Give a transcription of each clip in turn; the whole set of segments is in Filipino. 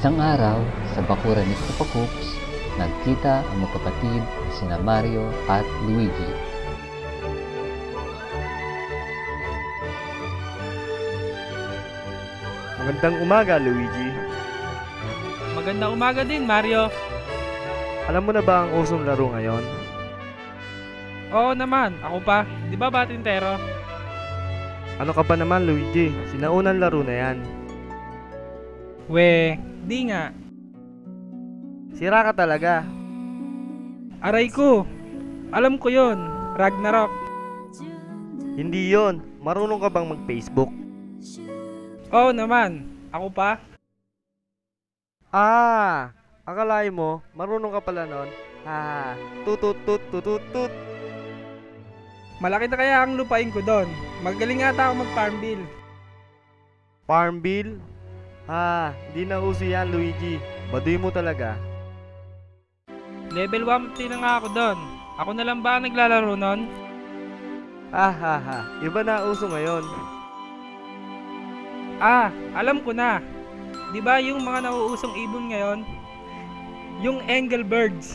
Isang araw, sa bakuran ni Koopa Koops, nagkita ang magkapatid sina Mario at Luigi. Magandang umaga, Luigi. Magandang umaga din, Mario. Alam mo na ba ang usong laro ngayon? Oo naman, ako pa. Di ba batintero? Ano ka ba naman, Luigi? Sinaunang laro na yan. Di nga. Sira ka talaga. Aray ko. Alam ko yon. Ragnarok. Hindi yon. Marunong ka bang mag-Facebook? Oo naman, ako pa. Akalain mo, marunong ka pala nun. Tutut. Malaki na kaya ang lupain ko doon. Magaling ata ako mag-Farmville. Farmville? Di na uso yan, Luigi. Baduy mo talaga. Level 1 na nga ako doon. Ako na lang ba ang naglalaro nun? Iba na uso ngayon. Alam ko na. Di ba yung mga nauusong ibon ngayon? Yung Engelbirds.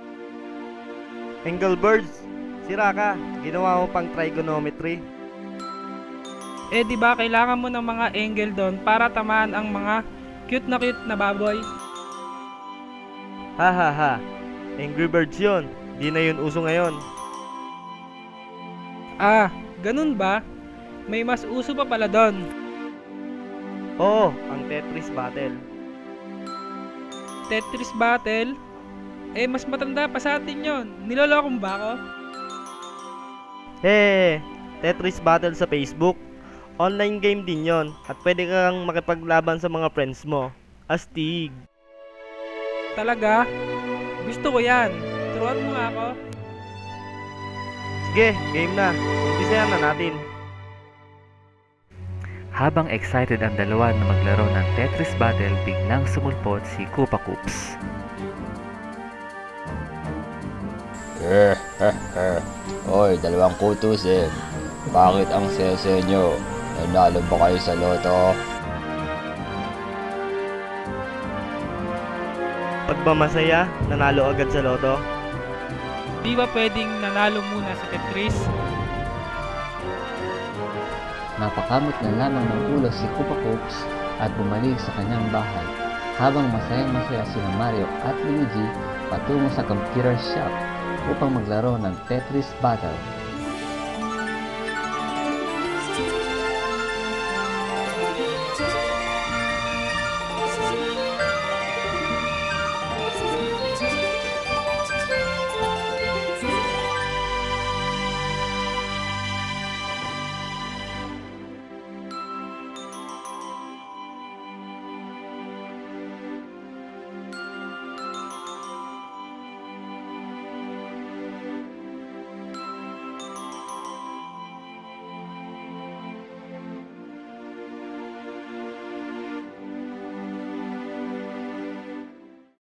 Engelbirds? Sira ka. Ginawa mo pang trigonometry. Di ba kailangan mo ng mga angle doon para tamaan ang mga cute na baboy? Angry Birds yun. Di na yun uso ngayon. Ganun ba? May mas uso pa pala doon. Oo, ang Tetris Battle. Tetris Battle? Mas matanda pa sa atin yon. Nilolokong ba ako? Tetris Battle sa Facebook. Online game din yon at pwede kang makipaglaban sa mga friends mo. Astig. Talaga? Gusto ko yan. Turuan mo nga ako. Sige, game na. Umpisahan na natin. Habang excited ang dalawa na maglaro ng Tetris Battle, biglang sumulpot si Koopa Koops. Hoy, dalawang kutusin. Bakit ang sese nyo? Nanalo ba kayo sa loto? Pag ba masaya, nanalo agad sa loto? Di ba pwedeng nanalo muna sa Tetris? Napakamot na lamang ng ulo si Koopa Koops at bumalik sa kanyang bahay habang masayang-masaya sina Mario at Luigi patungo sa computer shop upang maglaro ng Tetris Battle.